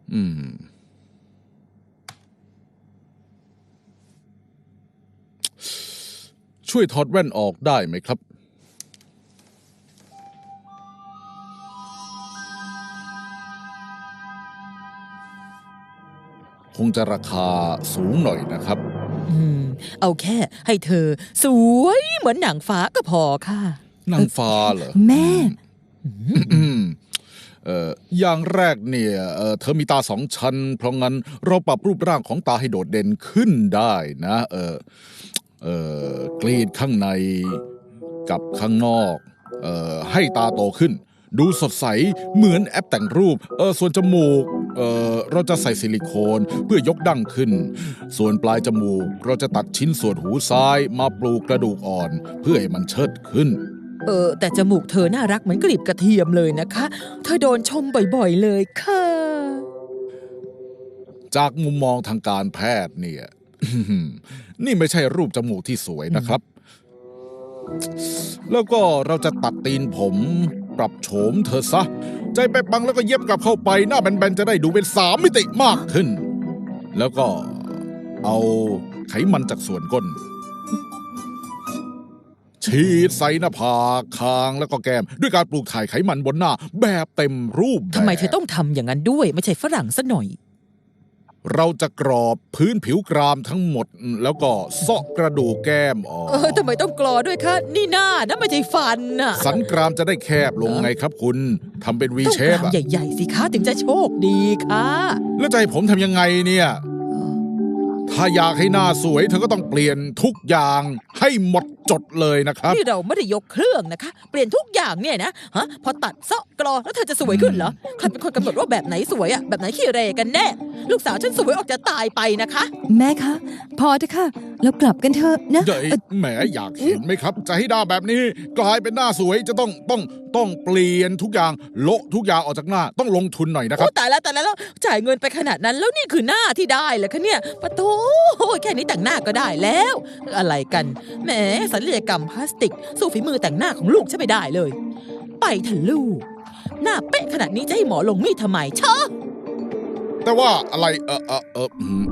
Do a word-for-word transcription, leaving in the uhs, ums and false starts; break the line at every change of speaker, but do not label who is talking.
อืมช่วยถอดแว่นออกได้ไหมครับคงจะราคาสูงหน่อยนะครับ
อืมเอาแค่ให้เธอสวยเหมือนหนังฟ้าก็พอค่ะ
นางฟ้าเหรอ
แม่
อืมเอ่ออย่างแรกเนี่ยเอ่อเธอมีตาสองชั้นเพราะงั้นเราปรับรูปร่างของตาให้โดดเด่นขึ้นได้นะเออเอ่อกรีดข้างในกับข้างนอกเอ่อให้ตาโตขึ้นดูสดใสเหมือนแอปแต่งรูปเออส่วนจมูกเออเราจะใส่ซิลิโคนเพื่อยกดั้งขึ้นส่วนปลายจมูกเราจะตัดชิ้นส่วนหูซ้ายมาปลูกกระดูกอ่อนเพื่อให้มันเชิดขึ้น
เออแต่จมูกเธอน่ารักเหมือนกลีบกระเทียมเลยนะคะเธอโดนชมบ่อยๆเลยค่ะ
จากมุมมองทางการแพทย์เนี่ย นี่ไม่ใช่รูปจมูกที่สวยนะครับ แล้วก็เราจะตัดตีนผมปรับโฉมเธอซะ ใจไปปังแล้วก็เย็บกลับเข้าไปหน้าแบนๆจะได้ดูเป็นสามมิติมากขึ้น แล้วก็เอาไขมันจากส่วนก้น ฉีดใส่หน้าผากคางแล้วก็แก้มด้วยการปลูกถ่ายไขมันบนหน้าแบบเต็มรูปแบบ
ทำไมเธอต้องทำอย่างนั้นด้วยไม่ใช่ฝรั่งซะหน่อย
เราจะกรอบพื้นผิวกรามทั้งหมดแล้วก็เซาะกระดูกแก้มออก
เออทำไมต้องกรอด้วยคะนี่หน้านะไม่ใช่ฟันน่ะ
สันกรามจะได้แคบลงไงครับคุณทำเป็นวี
ต้อง
เช
ก
ฟ
รามใหญ่ๆสิคะถึงจะโชคดีค่ะ
แล้วจะให้ผมทำยังไงเนี่ยถ้าอยากให้หน้าสวยเธอก็ต้องเปลี่ยนทุกอย่างให้หมดจดเลยนะครับ
นี่เราไม่ได้ยกเครื่องนะคะเปลี่ยนทุกอย่างเนี่ยนะฮะพอตัดเซาะกรอแล้วเธอจะสวยขึ้นเหรอใครเป็นคนกำหนดว่าแบบไหนสวยอะแบบไหนขี้เรกันแน่ลูกสาวฉันสวยออกจะตายไปนะคะ
แม่คะพอเถอะค่ะเรากลับกันเถอะนะ
เดี๋ยวแหมอยากเห็นไหมครับจะให้หน้าแบบนี้กลายเป็นหน้าสวยจะต้องต้องต้องเปลี่ยนทุกอย่างโละทุกอย่างออกจากหน้าต้องลงทุนหน่อยนะครับ
โอ้ตายแล้วตายแล้วจ่ายเงินไปขนาดนั้นแล้วนี่คือหน้าที่ได้เหรอคะเนี่ยปะโถแค่นี้แต่งหน้าก็ได้แล้วอะไรกันแหมศัลยกรรมพลาสติกสู้ฝีมือแต่งหน้าของลูกฉันไม่ได้เลยไปเถอะลูกหน้าเป๊ะขนาดนี้จะให้หมอลงมีดทำไมเชอะ
แต่ว่าอะไรเออเออเออ